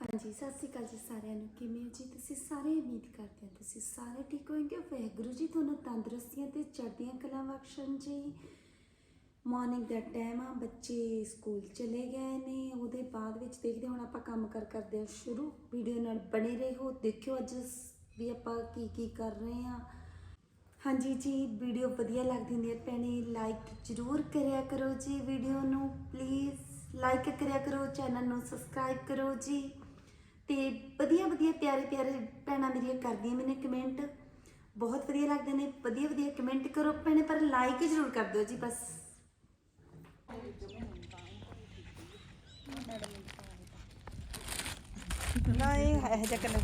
जी सत श्री अकाल जी सारिਆਂ ਨੂੰ ਕਿਵੇਂ ਹੋ ਜੀ ਤੁਸੀਂ ਸਾਰੇ ਉਮੀਦ ਕਰਦੇ ਹਾਂ ਤੁਸੀਂ ਸਾਰੇ ਠੀਕ ਹੋਣਗੇ ਵਾਹਿਗੁਰੂ ਜੀ ਤੁਹਾਨੂੰ ਤੰਦਰੁਸਤੀਆਂ ਤੇ ਚੜ੍ਹਦੀਆਂ ਕਲਾਂ ਬਖਸ਼ਣ ਜੀ। ਮਾਰਨਿੰਗ ਦਾ ਟਾਈਮ ਆ, ਬੱਚੇ ਸਕੂਲ ਚਲੇ ਗਏ ਨੇ, ਉਹਦੇ ਬਾਅਦ ਵਿੱਚ ਦੇਖਦੇ ਹੁਣ ਆਪਾਂ ਕੰਮ ਕਰਦੇ ਹਾਂ ਸ਼ੁਰੂ। ਵੀਡੀਓ ਨਾਲ ਬਣੇ ਰਹੋ, ਦੇਖਿਓ ਅੱਜ ਵੀ ਆਪਾਂ ਕੀ ਕਰ ਰਹੇ ਹਾਂ। हाँ जी जी वीडियो वधिया लगती हुंदी है भैणे लाइक जरूर करिया करो जी, वीडियो नू प्लीज़ लाइक करिया करो, चैनल नू सबसक्राइब करो जी। तो वधिया वधिया प्यारे प्यारे भैणां मेरियां करदियां मैंने कमेंट, बहुत वधिया लगदे ने। वधिया वधिया कमेंट करो भैणे, पर लाइक जरूर कर दो जी बस। ना ये है जकन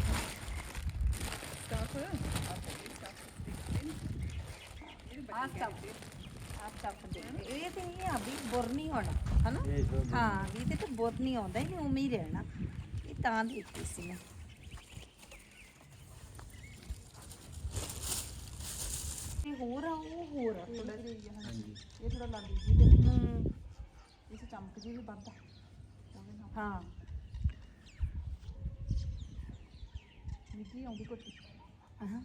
ਇਹ ਤੇ ਇਹ ਆ ਵੀ ਬੁਰ ਨਹੀਂ ਹੋਣਾ ਹਨਾ। ਹਾਂ ਵੀ ਤੇ ਤਾਂ ਬੁਰ ਨਹੀਂ ਆਉਂਦਾ, ਇਹ ਉਵੇਂ ਹੀ ਰਹਿਣਾ। ਇਹ ਤਾਂ ਦਿੱਤੀ ਸੀ ਮੈਂ। ਇਹ ਹੋਰ ਆ ਉਹ ਹੋਰ ਆ ਥੋੜਾ ਜਿਹਾ। ਹਾਂਜੀ ਇਹ ਥੋੜਾ ਲੱਗ ਜੀ ਤੇ ਇਸ ਚਮਕ ਜੀ ਵੀ ਵੱਧਦਾ। ਹਾਂ ਮਿੱਟੀ ਆਉਂਦੀ ਕੋਟੀ। ਹਾਂ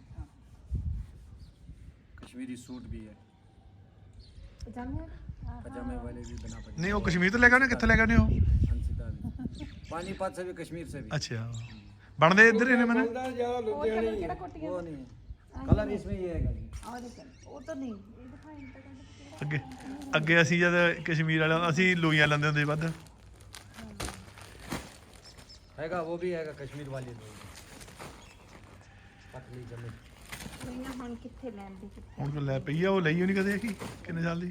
कश्मीरी सूट भी है, ਪਜਾਮੇ पजामे वाले भी बना पड़े। नहीं वो कश्मीर तो लेगा ना, कितने लेगा नहीं हो? पानीपत से भी, कश्मीर से भी। अच्छा बनते इधर ही ने मैंने ਕਿਹੜਾ ਕੋਟੀਆਂ वो नहीं है, कलर इसमें ये है जी। ਆ ਦੇਖ ਉਹ ਤਾਂ ਨਹੀਂ ਇਹ ਦਿਖਾਈ ਤਾਂ ਕੱਢ ਅੱਗੇ ਅੱਗੇ ਅਸੀਂ ਜਦ ਕਸ਼ਮੀਰ ਵਾਲਿਆਂ ਅਸੀਂ ਲੋਈਆਂ ਲੈਂਦੇ ਹੁੰਦੇ ਸੀ ਵੱਧ। हैगा वो भी हैगा कश्मीर वाली पतली जमी। ਨਹੀਂ ਹੁਣ ਕਿੱਥੇ ਲੈਂਦੀ ਕਿੱਥੇ। ਹੁਣ ਕੋ ਲੈ ਪਈ ਆ, ਉਹ ਲਈ ਹੋਣੀ ਕਦੇ ਕੀ ਕਿੰਨੇ ਸਾਲ ਦੀ।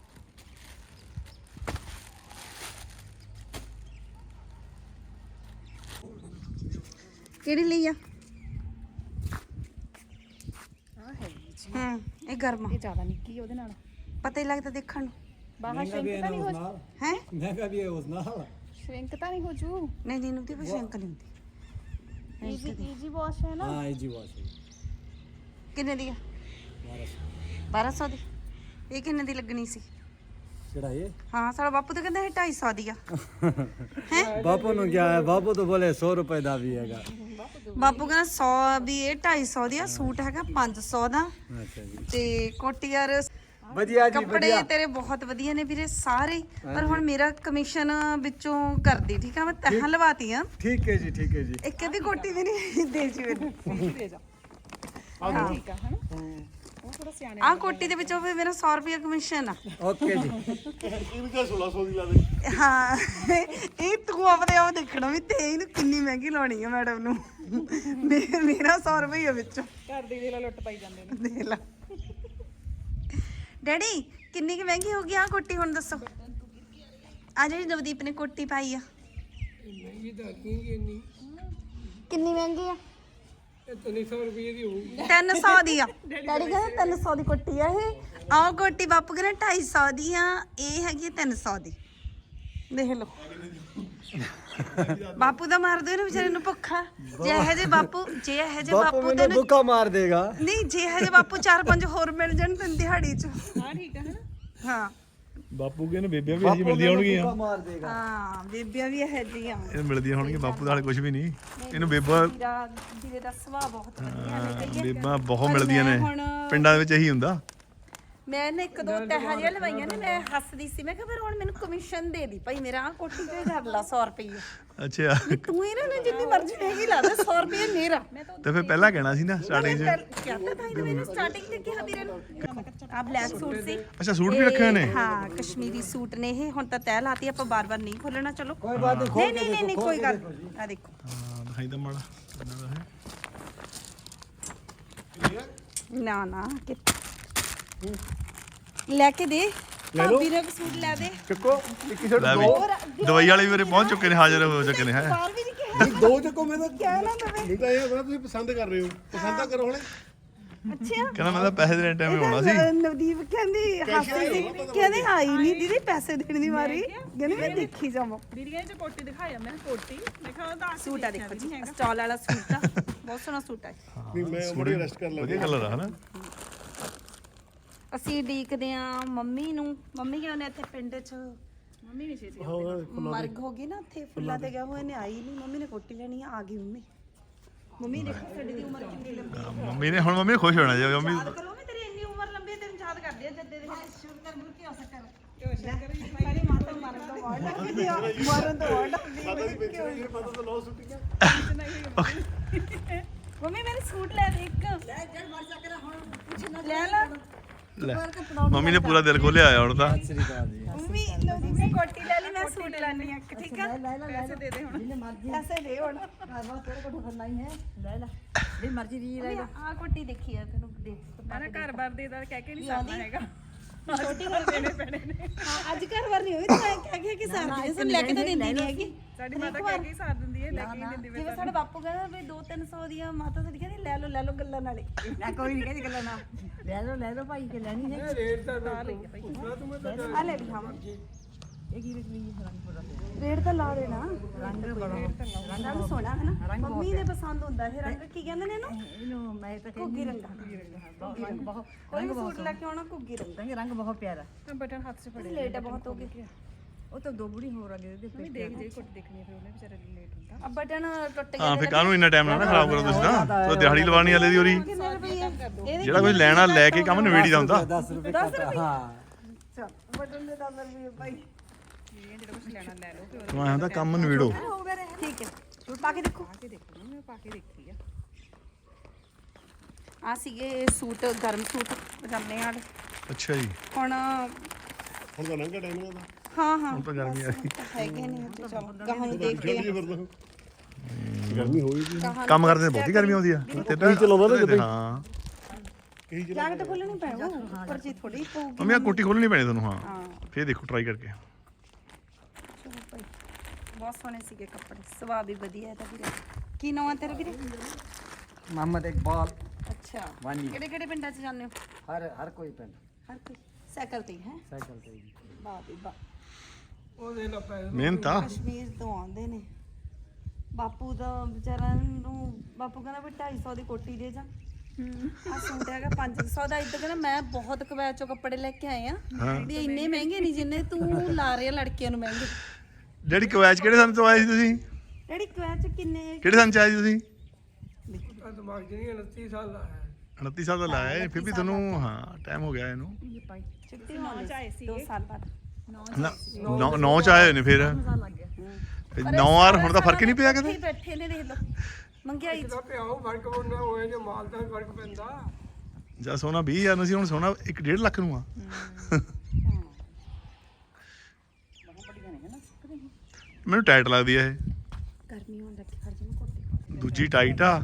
ਕਿਹੜੀ ਲਈ ਆ? ਆ ਹੈ ਜੀ ਇਹ ਗਰਮ ਇਹ ਜ਼ਿਆਦਾ ਨਿੱਕੀ ਉਹਦੇ ਨਾਲ ਪਤਾ ਹੀ ਲੱਗਦਾ ਦੇਖਣ ਨੂੰ। ਬਾਹਰ ਸ਼ਰਿੰਕ ਤਾਂ ਨਹੀਂ ਹੋ ਹੈ महंगा भी है उस नाल। ਸ਼ਰਿੰਕ ਤਾਂ ਨਹੀਂ ਹੋ ਜੂ। ਨਹੀਂ ਨਹੀਂ ਉਹਦੀ ਕੋਈ ਸ਼ੰਕ ਨਹੀਂ ਹੁੰਦੀ। ਈਜੀ ਵਾਸ਼ ਹੈ ਨਾ। हां इजी वॉश है। ਕਿੰਨੇ ਦੀ ਆ? 1200 ਦੀ। ਇਹ ਕਿੰਨੇ ਦੀ ਲੱਗਣੀ ਸੀ? केड़ा ये ਹਾਂ ਸਾਡਾ ਬਾਪੂ ਤਾਂ ਕਹਿੰਦਾ ਇਹ 250 ਦੀ ਆ। बापू नु क्या है, बापू तो बोले 100 रुपए दा भी हैगा। ਬਾਪੂ ਕਹਿੰਦਾ 100 ਵੀ ਇਹ 250 ਦੀ ਆ, ਸੂਟ ਹੈਗਾ 500 ਦਾ। अच्छा जी ਤੇ ਕੋਟੀ ਯਾਰ बढ़िया जी ਕੱਪੜੇ बढ़िया। ਤੇਰੇ ਬਹੁਤ ਵਧੀਆ ਨੇ ਵੀਰੇ ਸਾਰੇ ਹੀ। ਪਰ ਹੁਣ ਮੇਰਾ ਕਮਿਸ਼ਨ ਵਿੱਚੋਂ ਕਰਦੀ, ਠੀਕ ਆ? ਮੈਂ ਤਹਾਂ ਲਵਾਤੀ ਆ। ठीक है जी, ठीक है जी। ਇੱਕ ਅੱਧੀ ਕੋਟੀ ਵੀ ਨਹੀਂ ਦੇ ਜੀ ਮੈਨੂੰ। ਦੇ ਜਾ ਠੀਕ ਆ ਹਨਾ। ਉਹ ਥੋੜਾ ਸਿਆਣੇ ਆਹ ਕੋਟੀ ਦੇ ਵਿੱਚੋਂ ਵੀ ਮੇਰਾ 100 ਰੁਪਏ ਕਮਿਸ਼ਨ ਆ। ओके जी। ਇਹਨੂੰ 1600 ਦੀ ਲਾ ਦੇ। ਹਾਂ ਇਹ ਤੂੰ ਆਪਦੇ ਆਪ ਦੇਖਣਾ ਵੀ ਤੇ ਇਹਨੂੰ ਕਿੰਨੀ ਮਹਿੰਗੀ ਲਾਉਣੀ ਆ ਮੈਡਮ ਨੂੰ। ਮੇਰਾ 100 ਰੁਪਏ ਵਿੱਚੋਂ ਘਰ ਦੀ ਦੇ ਲੁੱਟ ਪਾਈ ਜਾਂਦੇ ਨੇ। ਦੇਖ ਲਾ। ਡੈਡੀ ਕਿੰਨੀ ਕੁ ਮਹਿੰਗੀ ਹੋ ਗਈ ਆ ਕੋਟੀ, ਹੁਣ ਦੱਸੋ। ਆ ਜਿਹੜੀ ਨਵਦੀਪ ਨੇ ਕੋਟੀ ਪਾਈ ਆ ਕਿੰਨੀ ਮਹਿੰਗੀ ਆ? 300 ਰੁਪਏ ਦੀ ਹੋਊ। 300 ਦੀ ਆ। ਡੈਡੀ ਕਹਿੰਦਾ 300 ਦੀ ਕੋਟੀ ਆ ਇਹ। ਆਹ ਕੋਟੀ ਬਾਪੂ ਕਹਿੰਦਾ 250 ਦੀ ਆ, ਇਹ ਹੈਗੀ ਆ 300 ਦੀ। ਦੇਖ ਲਓ ਬਾਪੂ ਦਾ ਮਾਰ ਦੋ ਇਹਨੂੰ ਵਿਚਾਰੇ ਨੂੰ ਭੁੱਖਾ। ਜੇ ਇਹ ਜੇ ਬਾਪੂ बापू मैंने ਤੈਨੂੰ भूखा मार देगा। ਨਹੀਂ, ਜੇ ਇਹ ਜੇ ਬਾਪੂ 4-5 ਹੋਰ ਮਿਲ ਜਾਣ ਤੈਨੂੰ ਦਿਹਾੜੀ ਚ। ਹਾਂ ਠੀਕ ਆ ਹਨਾ। ਹਾਂ ਬਾਪੂ ਕਹਿੰਦੇ ਬੇਬੀਆਂ ਵੀ ਅਸੀਂ ਮਿਲਦੀਆਂ ਹੋਣਗੀਆਂ। भूखा मार देगा। ਹਾਂ ਬੇਬੀਆਂ ਵੀ ਇਹ ਜੀਆਂ। ਇਹ ਮਿਲਦੀਆਂ ਹੋਣਗੀਆਂ, ਬਾਪੂ ਦਾ ਹਾਲੇ ਕੁਝ ਵੀ ਨਹੀਂ। ਇਹਨੂੰ ਬੇਬਾ ਵੀਰੇ ਦਾ ਸੁਭਾਅ ਬਹੁਤ ਵਧੀਆ ਨੇ ਕਹੀਏ। ਬੇਬਾ ਬਹੁਤ ਮਿਲਦੀਆਂ ਨੇ, ਪਿੰਡਾਂ ਦੇ ਵਿੱਚ ਇਹੀ ਹੁੰਦਾ। ਮੈਂ ਨੇ ਇੱਕ ਦੋ ਤਹਾਂ ਜਿਹੀਆਂ ਲਵਾਈਆਂ ਨੇ, ਮੈਂ ਹੱਸਦੀ ਸੀ। ਮੈਂ ਕਿਹਾ ਫਿਰ ਹੁਣ ਮੈਨੂੰ ਕਮਿਸ਼ਨ ਦੇ ਦੀ ਭਾਈ, ਮੇਰਾ ਆਹ ਕੋਟੀ ਤੇ ਕਰ ਲਾ 100 ਰੁਪਏ। ਅੱਛਾ ਤੂੰ ਇਹਨਾਂ ਨੇ ਜਿੰਨੀ ਮਰਜ਼ੀ ਮਹਿੰਗੀ ਲਾ ਦੇ, 100 ਰੁਪਏ ਮੇਰਾ। ਤੇ ਫਿਰ ਪਹਿਲਾਂ ਕਹਿਣਾ ਸੀ ਨਾ ਸਟਾਰਟਿੰਗ 'ਚ। ਕਿਹਾ ਤਾਂ ਹੀ ਮੈਨੂੰ ਸਟਾਰਟਿੰਗ ਤੇ ਕਿਹਾ ਵੀਰੇ ਨੂੰ। ਆ ਬਲੈਕ ਸੂਟ ਸੀ। ਅੱਛਾ ਸੂਟ ਵੀ ਰੱਖੇ ਹੋਏ ਨੇ। ਹਾਂ ਕਸ਼ਮੀਰੀ ਸੂਟ ਨੇ ਇਹ। ਹੁਣ ਤਾਂ ਤੈਅ ਲਾਤੀ, ਆਪਾਂ ਬਾਰ-ਬਾਰ ਨਹੀਂ ਖੋਲਣਾ। ਚਲੋ कोई बात नहीं, ਨਹੀਂ ਨਹੀਂ ਕੋਈ ਗੱਲ। ਆ ਦੇਖੋ ਹਾਂ ਦਿਖਾਈ ਤਾਂ ਮਾੜਾ ਇਹਨਾਂ ਦਾ ਹੈ। ਨਾ ਨਾ ਲੈ ਕੇ ਦੇ ਭਾਬੀ ਨੇ ਸੂਟ ਲੈ ਦੇ। ਚੱਕੋ ਇੱਕ ਸ਼ਰਟ ਲੈ ਵੀ ਦਵਾਈ ਵਾਲੇ ਵੀ ਉਰੇ ਪਹੁੰਚ ਚੁੱਕੇ ਨੇ, ਹਾਜ਼ਰ ਹੋ ਚੁੱਕੇ ਨੇ। ਹੈ ਬਾਹਰ ਵੀ ਨਹੀਂ ਕਿਹਾ ਦੋ ਚੱਕੋ ਮੈਂ ਤਾਂ ਕਿਹਾ ਨਾ ਤਵੇਂ। ਨਹੀਂ ਤਾਂ ਇਹ ਹੋਣਾ ਤੁਸੀਂ ਪਸੰਦ ਕਰ ਰਹੇ ਹੋ, ਪਸੰਦ ਤਾਂ ਕਰੋ ਹੁਣ। ਅੱਛਾ ਕਹਿੰਦਾ ਮੈਂ ਤਾਂ ਪੈਸੇ ਦੇਣ ਟਾਈਮ ਆਉਣਾ ਸੀ। ਨਵਦੀਪ ਕਹਿੰਦੀ ਹੱਸਦੀ ਸੀ, ਕਹਿੰਦੇ ਆਈ ਨਹੀਂ ਦੀਦੀ ਪੈਸੇ ਦੇਣ ਦੀ ਮਾਰੀ। ਕਹਿੰਦੀ ਮੈਂ ਦੇਖੀ ਜਾਵਾਂ। ਦੀਦੀ ਕਹਿੰਦੇ ਕੋਟੀ ਦਿਖਾਇਆ ਮੈਂ ਕੋਟੀ। ਦੇਖੋ ਉਹਦਾ ਸੂਟ ਆ ਦੇਖੋ ਜੀ, ਸਟਾਲ ਵਾਲਾ ਸੂਟ ਆ, ਬਹੁਤ ਸੋਹਣਾ ਸੂਟ ਆ। ਨਹੀਂ ਮੈਂ ਬੜੀ ਰੈਸਟ ਕਰ ਵਧੀਆ ਕਲਰ ਆ ਹਨਾ। ਅਸੀਂ ਉਡੀਕਦੇ ਆ ਮੰਮੀ ਨੂੰ। ਮੰਮੀ ਕਿਉਂ ਨੇ ਇੱਥੇ ਪਿੰਡ 'ਚ ਮੰਮੀ ਨਹੀਂ ਛੇਤੀ ਮਰਗ ਹੋ ਗਈ ਨਾ ਉੱਥੇ ਫੁੱਲਾਂ ਤੇ ਗਿਆ ਹੋਇਆ ਨੇ ਆਈ ਨਹੀਂ ਮੰਮੀ ਨੇ ਕੋਟੀ ਲੈਣੀ ਆ ਗਈ ਮੰਮੀ ਮੰਮੀ ਦੇਖੋ ਸਾਡੀ ਦੀ ਉਮਰ ਕਿੰਨੀ ਲੰਬੀ ਹੈ ਮੰਮੀ ਨੇ ਹੁਣ ਮੰਮੀ ਖੁਸ਼ ਹੋਣਾ ਜੀ ਮੰਮੀ ਯਾਦ ਕਰੋ ਮੈਂ ਤੇਰੀ ਇੰਨੀ ਉਮਰ ਲੰਬੀ ਹੈ ਤੈਨੂੰ ਯਾਦ ਕਰਦੀ ਆ ਜੱਦੇ ਦੇ ਸ਼ੁਰੂ ਕਰ ਮੁਰ ਕੀ ਹੋ ਸਕਦਾ ਸਾਡੀ ਮਾਤਾ ਮਰਨ ਤੋਂ ਬਾਅਦ ਲੱਗਦੀ ਆ ਮਰਨ ਤੋਂ ਬਾਅਦ ਲੱਗਦੀ ਪਤਾ ਤਾਂ ਲੋ ਸੁੱਟੀਆਂ ਮੰਮੀ ਮੇਰੇ ਸੂਟ ਲੈ ਦੇ ਇੱਕ ਲੈ ਜੜ ਮਰ ਜਾ ਕੇ ਹੁਣ ਕੁਛ ਨਾ ਲੈ ਲੈ ਲੈ ਮੰਮੀ ਨੇ ਪੂਰਾ ਦਿਲ ਖੋਲਿਆ ਆਇਆ ਹੁਣ ਤਾਂ ਮੰਮੀ ਲੋ ਦੀ ਕੋਟੀ ਲੈ ਲਈ ਮੈਂ ਸੂਟ ਲੈਣੀ ਆ ਠੀਕ ਆ ਪੈਸੇ ਦੇ ਦੇ ਹੁਣ ਪੈਸੇ ਦੇ ਹੁਣ ਆ ਕੋਟੀ ਦੇਖੀ ਆ ਤੈਨੂੰ ਦੇਖ ਮੈਂ ਨਾ ਘਰ ਬਾਰ ਦੇ ਦਾ ਕਹਿ ਕੇ ਨਹੀਂ ਸਰਨਾ ਹੈਗਾ ਛੋਟੀ ਕਰ ਦੇਣੇ ਪੈਣੇ ਨੇ ਹਾਂ ਅੱਜ ਘਰ ਵਾਰ ਨਹੀਂ ਹੋਈ ਤਾਂ ਕਹਿ ਕੇ ਕਿ ਸਾਥ ਸੁਣ ਲੈ ਕੇ ਤਾਂ ਦਿੰਦੀ ਨਹੀਂ ਹੈਗੀ ਸਾਡੀ ਮਾਤਾ ਕਹਿ ਕੇ ਸਾਰ ਦਿੰਦੀ ਹੈ ਲੈ ਕੇ ਨਹੀਂ ਦਿੰਦੀ ਜਿਵੇਂ ਸਾਡੇ ਬਾਪੂ ਕਹਿੰਦਾ ਵੀ 2-300 ਦੀਆਂ ਮਾਤਾ ਸਾਡੀ ਕਹਿੰਦੀ ਲੈ ਲਓ ਗੱਲਾਂ ਨਾਲੇ ਮੈਂ ਕੋਈ ਨਹੀਂ ਕਹਿੰਦੀ ਗੱਲਾਂ ਨਾ ਲੈ ਲਓ ਭਾਈ ਕਿ ਲੈਣੀ ਹੈ ਰੇਟ ਤਾਂ ਪੁੱਛਣਾ ਤੂੰ ਮੈਂ ਤਾਂ ਆ ਲੈ ਵੀ ਹਾਂ ਇਹ ਕੀ ਰਕਲੀ ਰੰਗ ਪੜਾ ਰੇਟ ਤਾਂ ਲਾ ਦੇਣਾ ਰੰਗ ਬੜਾ ਰੰਗ ਸੋਹਣਾ ਹੈ ਨਾ ਮੰਮੀ ਦੇ ਪਸੰਦ ਹੁੰਦਾ ਇਹ ਰੰਗ ਕੀ ਕਹਿੰਦੇ ਨੇ ਇਹਨੂੰ ਇਹਨੂੰ ਮੈਂ ਤਾਂ ਘੁੱਗੀ ਰੰਗ ਰੰਗ ਬਹੁਤ ਕੋਈ ਸੂਟ ਲੈ ਕੇ ਆਉਣਾ ਘੁੱਗੀ ਰੰਗ ਰੰਗ ਬਹੁਤ ਪਿਆਰਾ ਬਟਨ ਹੱਥ 'ਚ ਫੜੇ ਲੇਟ ਹੈ ਬਹੁਤ ਹੋ ਗਈ ਉਹ ਤਾਂ ਦੋ ਬੁੜੀ ਹੋਰ ਆ ਗਏ ਇਹਦੇ ਮੰਮੀ ਦੇਖ ਜੇ ਕੁੱਟ ਦੇਖਣੀ ਫਿਰ ਉਹਨੇ ਵਿਚਾਰੇ ਲੇਟ ਹੁੰਦਾ ਆ ਬਟਨ ਟੁੱਟ ਗਿਆ ਹਾਂ ਫਿਰ ਕਾਹਨੂੰ ਇੰਨਾ ਟਾਈਮ ਨਾ ਖਰਾਬ ਕਰੋ ਤੁਸੀਂ ਤਾਂ ਤੋ ਦਿਹਾੜੀ ਲਵਾਉਣੀ ਵਾਲੇ ਦੀ ਹੋਰੀ ਕਿੰਨੇ ਰੁਪਏ ਇਹਦੇ ਜਿਹੜਾ ਕੋਈ ਲੈਣਾ ਲੈ ਕੇ ਕੰਮ ਨਵੇੜੀ ਦਾ ਹੁੰਦਾ 10 रुपए का हाँ ਚੱਲ ਬਟਨ ਦੇ 10 ਰੁਪਏ ਭਾਈ ਇਹ ਜਿਹੜਾ ਕੁਝ ਲੈਣਾ ਲੈ ਲਓ ਫਿਰ ਮੈਂ ਆਂਦਾ ਕੰਮ ਨਵੇੜੋ ਠੀਕ ਹੈ ਸੂਟ ਪਾ ਕੇ ਦੇਖੋ ਕੇ ਦੇਖੋ ਮੈਂ ਪਾ ਕੇ ਦੇਖੀ ਆ ਆ ਸੀਗੇ ਸੂਟ ਗਰਮ ਸੂਟ ਪਜਾਮੇ ਵਾਲੇ ਅੱਛਾ ਜੀ ਹੁਣ ਹੁਣ ਤਾਂ ਲੰਘਾ ਟਾਈਮ ਦਾ ਹਾਂ ਹੁਣ ਤਾਂ ਗਰਮੀ ਆ ਗਈ ਹੈਗੇ ਨੇ ਹਜੇ ਚਲੋ ਗਾਹਾਂ ਨੂੰ ਦੇਖਦੇ ਆ ਗਰਮੀ ਹੋਈ ਜੀ ਕੰਮ ਕਰਦੇ ਨੇ ਬਹੁਤੀ ਗਰਮੀ ਆਉਂਦੀ ਆ ਤੇ ਹਾਂ ਜੈਕਟ ਖੋਲਣੀ ਪੈਣਾ ਉੱਪਰ ਜੀ ਥੋੜੀ ਪਊਗੀ ਮੰਮੀ ਆ ਕੋਟੀ ਖੋਲਣੀ ਪੈਣੀ ਤੁਹਾਨੂੰ ਹਾਂ ਫੇਰ ਦੇਖੋ ਟਰਾਈ ਕਰਕੇ ਚਲੋ ਭਾਈ ਬਹੁਤ ਸੋਹਣੇ ਸੀਗੇ ਕੱਪੜੇ ਸੁਭਾਅ ਵੀ ਵਧੀਆ ਹੈ ਤਾਂ ਵੀਰੇ ਕੀ ਨਾਮ ਹੈ ਤੇਰਾ ਵੀਰੇ मोहम्मद इकबाल ਅੱਛਾ ਵਾਨੀ। ਕਿਹੜੇ ਕਿਹੜੇ ਪਿੰਡਾਂ 'ਚ ਜਾਂਦੇ ਹੋ हर कोई पेन ਹਰ ਕੋਈ ਸਾਈਕਲ ਤੇ ਹੈ साइकिल पे ही। ਵਾਹ ਵੀ ਵਾਹ ਉਹ ਦੇ ਲਾ ਪੈ ਮਿਹਨਤ ਆ ਕਸ਼ਮੀਰ ਤੋਂ ਆਉਂਦੇ ਨੇ ਬਾਪੂ ਦਾ ਵਿਚਾਰਾ ਨੂੰ ਬਾਪੂ ਕਹਿੰਦਾ ਵੀ 250 ਦੀ ਕੋਟੀ ਦੇ ਜਾ ਆ ਸੂਟ ਹੈਗਾ 500 ਦਾ ਇੱਦਾਂ ਕਹਿੰਦਾ ਮੈਂ ਬਹੁਤ ਕਵੈਤ ਚੋਂ ਕੱਪੜੇ ਲੈ ਕੇ ਆਏ ਆ ਵੀ ਇੰਨੇ ਮਹਿੰਗੇ ਨਹੀਂ ਜਿੰਨੇ ਤੂੰ ਲਾ ਰਿਹਾ ਲੜਕੀਆਂ ਨੂੰ ਮਹਿੰਗੇ ਜਿਹੜੀ ਕਵੈਚ ਕਿਹੜੇ ਸੰਨ ਤੋਂ ਆਏ ਸੀ ਤੁਸੀਂ ਡੈਡੀ ਕਵੈਤ ਚ ਕਿੰਨੇ ਕਿਹੜੇ ਸੰਨ ਚ ਆਏ ਸੀ ਤੁਸੀਂ ਦਿਮਾਗ ਚ ਨਹੀਂ 29 ਸਾਲ ਦਾ ਹੈ 29 ਸਾਲ ਦਾ ਲਾਇਆ ਫਿਰ ਵੀ ਤੁਹਾਨੂੰ ਹਾਂ ਟਾਈਮ ਹੋ ਗਿਆ ਇਹਨੂੰ ਛੁੱਟੀ ਹੋਣੀ ਸੀ 2 ਸਾਲ ਬਾਅਦ ਨੌ ਚ ਆਏ ਹੋਏ ਨੇ ਫਿਰ 9 ਆਰ ਹੁਣ ਤਾਂ ਫਰਕ ਹੀ ਨਹੀਂ ਪਿਆ ਇੱਥੇ ਕਿਤੇ ਹੀ ਬੈਠੇ ਨੇ ਦੇਖ ਲਓ ਮੰਗਿਆਈ ਚ ਪਿਆਉ ਫਰਕ ਉਹਨਾਂ ਹੋਏ ਜੇ ਮਾਲ ਦਾ ਫਰਕ ਪੈਂਦਾ ਜਾਂ ਸੋਨਾ 20000 ਨੂੰ ਸੀ ਹੁਣ ਸੋਨਾ 1.5 ਲੱਖ ਨੂੰ ਆ ਮੈਨੂੰ ਟਾਈਟ ਲੱਗਦੀ ਆ ਇਹ ਗਰਮੀ ਹੋਣ ਲੱਗੀ ਫੜ ਜਿਵੇਂ ਕੋਟੀ ਦੂਜੀ ਟਾਈਟ ਆ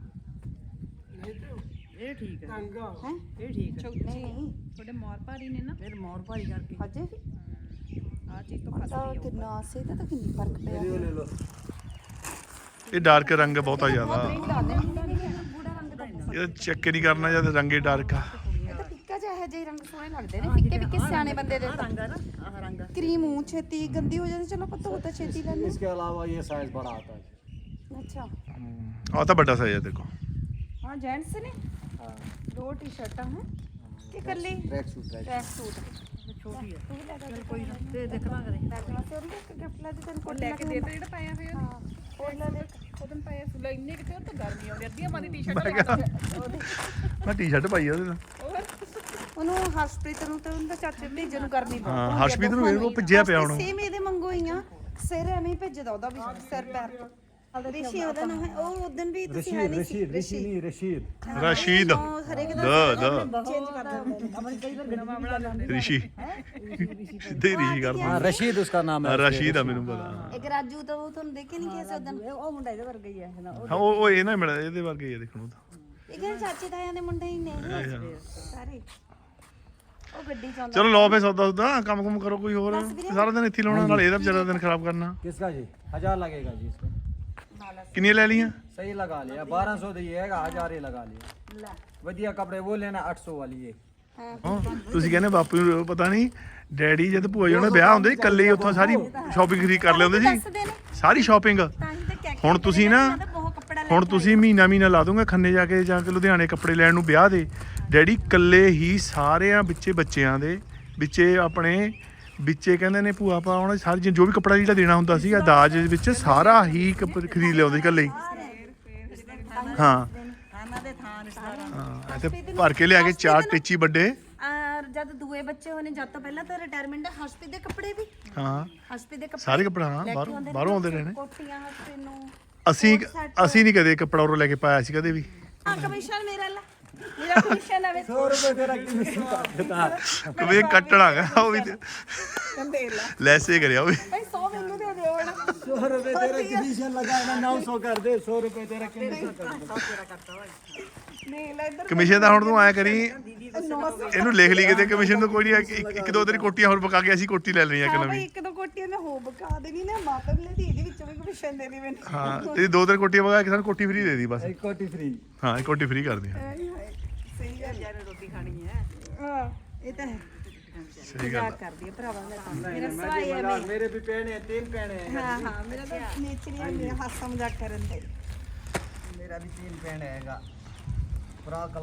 ਇਹ ਠੀਕ ਹੈ ਟੰਗਾ ਹੈ ਇਹ ਠੀਕ ਹੈ ਨਹੀਂ ਤੁਹਾਡੇ ਮੋਰ ਭਾਰੀ ਨੇ ਨਾ ਫਿਰ ਮੋਰ ਭਾਰੀ ਕਰਕੇ ਅਜੇ ਵੀ ਆ ਚੀਜ਼ ਤੋਂ ਤਾਂ ਕਿੰਨਾ ਸੇ ਤਾਂ ਕਿੰਨੀ ਫਰਕ ਪਿਆ ਇਹ ਡਾਰਕ ਰੰਗ ਬਹੁਤਾ ਜ਼ਿਆਦਾ ਬੂੜਾ ਰੰਗ ਦਾ ਇਹ ਚੈੱਕ ਨਹੀਂ ਕਰਨਾ ਜਦ ਰੰਗੇ ਡਾਰਕ ਆ ਇਹ ਤਾਂ ਫਿੱਕਾ ਜਿਹਾ ਇਹੋ ਜਿਹੇ ਰੰਗ ਸੋਹਣੇ ਲੱਗਦੇ ਨੇ ਫਿੱਕੇ ਫਿੱਕੇ ਸਿਆਣੇ ਬੰਦੇ ਦੇ ਰੰਗ ਆ ਨਾ ਆਹ ਰੰਗ ਆ। ਕਰੀਮ ਮੂੰਹ ਛੇਤੀ ਗੰਦੀ ਹੋ ਜਾਂਦੀ ਚਲੋ ਪਤਾ ਹੋਤਾ ਛੇਤੀ ਲੈਣੇ इसके अलावा ये साइज बड़ा आता है ਅੱਛਾ ਆ ਤਾਂ ਵੱਡਾ ਸਾਈਜ਼ ਆ ਦੇਖੋ ਹਾਂ ਜੈਂਟਸ ਨੇ हाँ ਦੋ ਟੀ-ਸ਼ਰਟਾਂ ਹੈ ਕਿ ਕੱਲੀ ट्रैक सूट ਟਰੈਕ ਸੂਟ ਛੋਟੀ ਆ ਤੂੰ ਵੀ ਲੈ ਚਲ ਕੋਈ ਨਾ ਤੇ ਦੇਖਣਾ ਕਰੇ ਲੈ ਕੇ ਉਹਨੂੰ ਇੱਕ ਗਿਫਟ ਲੈ ਦੇ ਤੈਨੂੰ ਕੋਟ ਲੈ ਕੇ ਦੇ ਤੇ ਜਿਹੜਾ ਪਾਇਆ ਹੋਇਆ ਹਾਂ ਕੋਟ ਲੈ ਦੇ ਉਹਦਨ ਪਾਇਆ ਸੁਲਾ ਇੰਨੇ ਕਿਤੇ ਉਹ ਤਾਂ ਗਰਮੀ ਆਉਂਦੀ ਅੱਧੀਆਂ ਮਾਦੀ ਟੀ-ਸ਼ਰਟ ਮੈਂ ਟੀ-ਸ਼ਰਟ ਪਾਈ ਆ ਉਹਦੇ ਨਾਲ ਉਹਨੂੰ ਹਰਸ਼ਪ੍ਰੀਤ ਨੂੰ ਤੇ ਉਹਦਾ ਚਾਚੇ ਭੇਜਣ ਨੂੰ ਕਰਨੀ ਬਹੁਤ ਹਾਂ ਹਰਸ਼ਪ੍ਰੀਤ ਨੂੰ ਵੇਖ ਲਓ ਭਿੱਜਿਆ ਪਿਆ ਹੁਣ ਸੇਮ ਇਹਦੇ ਮੰਗੋ ਹੀ ਆ ਸਿਰ ਐਵੇਂ ਹੀ ਭੇਜਦਾ ਉਹਦਾ ਵੀ ਸਿਰ ਪੈਰ ਤੋਂ ਰਿਸ਼ੀ ਉਹਦਾ ਨਾਮ ਹੈ ਉਹ ਉਦੋਂ ਵੀ ਤੁਸੀਂ ਹੈ ਨਹੀਂ ਸੀ ऋषि नहीं रशीद ਰਸ਼ੀਦ ਹਰੇਕ ਦ ਚੇਂਜ ਕਰ ਦਿੰਦੇ ਅਮਨ ਕਈ ਵਾਰ ਨਵਾਂ ਬਣਾ ਲੈਂਦੇ ਰਿਸ਼ੀ ਸਿੱਧੇ ਹੀ ਰਿਸ਼ੀ ਕਰਦਾ हाँ रशीद उसका नाम है ਰਸ਼ੀਦ ਆ ਮੈਨੂੰ ਪਤਾ ਇੱਕ ਰਾਜੂ ਤਾਂ ਉਹ ਤੁਹਾਨੂੰ ਦੇਖੇ ਨਹੀਂ ਕਿਸੇ ਉਦੋਂ ਉਹ ਮੁੰਡਾ ਇਹਦੇ ਵਰਗਾ ਹੀ ਹੈ ਨਾ ਉਹ ਹਾਂ ਉਹ ਇਹ ਨਾ ਮਿਲਿਆ ਇਹਦੇ ਵਰਗੇ ਹੀ ਆ ਦੇਖਣ ਨੂੰ ਤਾਂ ਇਹ ਕਹਿੰਦੇ ਚਾਚੇ ਤਾਇਆਂ ਦੇ ਮੁੰਡੇ ਹੀ ਨੇ ਇਹ ਸਾਰੇ ਉਹ ਗੱਡੀ ਚ ਆਉਂਦਾ ਚਲੋ ਲਓ ਫੇ ਸੌਦਾ ਸੁਦਾ ਕੰਮ ਕੁਮ ਕਰੋ ਕੋਈ ਹੋਰ ਸਾਰਾ ਦਿਨ ਇੱਥੇ ਹੀ ਲਾਉਣਾ ਨਾਲ ਇਹਦਾ ਵਿਚਾਰਾ ਦਿਨ ਖਰਾਬ ਕਰਨਾ किसका जी 1000 लगेगा जी इसमें ਕਿੰਨੀਆਂ ਲੈ ਲੀਆਂ सही लगा लिया 1200 दिएगा 1000 ही लगा लिया वधिया कपड़े वो लेना 800 वाली ये ਹਾਂ ਤੁਸੀਂ ਕਹਿੰਦੇ ਬਾਪੂ ਨੂੰ ਪਤਾ ਨਹੀਂ ਡੈਡੀ ਜਦ ਭੂਆ ਜੀ ਉਹਨਾਂ ਦੇ ਵਿਆਹ ਹੁੰਦੇ ਸੀ ਇਕੱਲੇ ਹੀ ਉੱਥੋਂ ਸਾਰੀ ਸ਼ਾਪਿੰਗ ਖਰੀਦ ਕਰ ਲਿਆਉਂਦੇ ਸੀ ਸਾਰੀ ਸ਼ਾਪਿੰਗ ਤਾਂ ਹੀ ਤਾਂ ਕਹਿ ਹੁਣ ਤੁਸੀਂ ਨਾ ਬਹੁਤ ਕੱਪੜਾ ਲੈ ਹੁਣ ਤੁਸੀਂ ਮਹੀਨਾ ਲਾ ਦੋਗੇ ਖੰਨੇ ਜਾ ਕੇ ਲੁਧਿਆਣੇ ਕੱਪੜੇ ਲੈਣ ਨੂੰ ਵਿਆਹ ਦੇ ਡੈਡੀ ਇਕੱਲੇ ਹੀ ਸਾਰਿਆਂ ਵਿੱਚੇ ਬੱਚਿਆਂ ਦੇ ਵਿੱਚੇ ਆਪਣੇ ਵਿੱਚੇ ਕਹਿੰਦੇ ਨੇ ਭੂਆ ਪਾ ਉਹਨਾਂ ਸਾਰੀ ਚੀਜ਼ ਜੋ ਵੀ ਕੱਪੜਾ ਜਿਹੜਾ ਦੇਣਾ ਹੁੰਦਾ ਸੀਗਾ ਦਾਜ ਦੇ ਵਿੱਚ ਸਾਰਾ ਹੀ ਖਰੀਦ ਲਿਆਉਂਦੇ ਸੀ ਇਕੱਲੇ ਹੀ। ਹਾਂ ਖਾਣਾ ਦੇ ਥਾਂ ਰਿਸ਼ਤੇਦਾਰਾਂ ਹਾਂ ਤੇ ਭਰ ਕੇ ਲਿਆ ਕੇ 4 ਟੇਚੀ ਵੱਡੇ। ਜਦ ਦੂਏ ਬੱਚੇ ਹੋਣੇ ਜਦ ਤੋਂ ਪਹਿਲਾਂ ਤਾਂ ਰਿਟਾਇਰਮੈਂਟ ਹਸਪੀਟਲ ਦੇ ਕੱਪੜੇ ਵੀ ਹਾਂ ਹਸਪੀਟਲ ਦੇ ਕੱਪੜੇ ਸਾਰੇ ਕੱਪੜਾ ਹਾਂ ਬਾਹਰੋਂ ਆਉਂਦੇ ਰਹੇ ਨੇ। ਕੋਟੀਆਂ ਹਸਪੀਟਲ ਨੂੰ ਅਸੀਂ ਨਹੀਂ ਕਦੇ ਕੱਪੜਾ ਉਰੋਂ ਲੈ ਕੇ ਪਾਇਆ ਸੀ ਕਦੇ ਵੀ। ਕਮਿਸ਼ਨ ਮੇਰਾ ਕਮਿਸ਼ਨ ਆਵੇ 100 रुपए तेरा कमीशन काट देता ਕਦੇ ਕੱਟਣਾ ਹੈਗਾ ਉਹ ਵੀ ਦੇ ਲੈ ਲੈਸੇ ਕਰਿਆ ਉਹ ਵੀ। ਭਾਈ 100 ਮੈਨੂੰ ਦੇ ਦਿਓ ਹਣਾ 100 रुपए तेरा कमीशन लगाना 900 कर दे 100 रुपए तेरा कमीशन कर दे। ਨਹੀਂ ਲੈ ਇੱਧਰ ਕਮਿਸ਼ਨ ਦਾ ਹੁਣ ਤੂੰ ਆਇਆ ਕਰੀ ਇਹਨੂੰ ਲਿਖ ਲਈ ਕਿਤੇ ਕਮਿਸ਼ਨ ਤੋਂ ਕੋਈ ਨਹੀਂ ਇੱਕ ਦੋ ਤੇਰੀ ਕੋਟੀਆਂ ਹੋਰ ਪਕਾ ਕੇ ਅਸੀਂ ਕੋਟੀ ਲੈ ਲੈਣੀ ਆ ਇੱਕ ਭਾਈ ਨਵੀਂ। ਇੱਕ ਦੋ ਕੋਟੀਆਂ ਮੈਂ ਹੋ ਬਕਾ ਦੇਣੀ ਨਾ ਮਾਤਮ ਲੈ ਦੀ ਇਹਦੇ ਵਿੱਚੋਂ ਵੀ ਕਮਿਸ਼ਨ ਦੇ ਦੀ ਮੈਨੂੰ ਹਾਂ ਤੇਰੀ ਦੋ ਤਿੰਨ ਕੋਟੀਆਂ ਪਕਾ ਕੇ ਸਾਨੂੰ ਕੋਟੀ ਫ੍ਰੀ ਦੇ ਦੀ ਬਸ। एक कोटी फ्री। ਹਾਂ ਇੱਕ ਕੋਟੀ ਫ੍ਰੀ ਕਰ ਦੇ। ਸਹੀ ਗੱਲ ਯਾਰ ਰੋਟੀ ਖਾਣੀ ਹੈ ਹਾਂ ਇਹ ਤਾਂ ਹੈ ਸਹੀ ਗੱਲ ਆ। ਕਰਦੀ ਹੈ ਭਰਾਵਾਂ ਦਾ मेरा सवाई है मेरे भी पहने हैं 3 पहने हैं ਹਾਂ ਹਾਂ ਮੇਰਾ ਤਾਂ ਨੇਚਰ ਹੀ ਹੈ ਮੇਰਾ ਹਾਸਾ ਮਜ਼ਾਕ ਕਰਨ ਦਾ मेरा भी 3 पहने हैगा फ्रॉक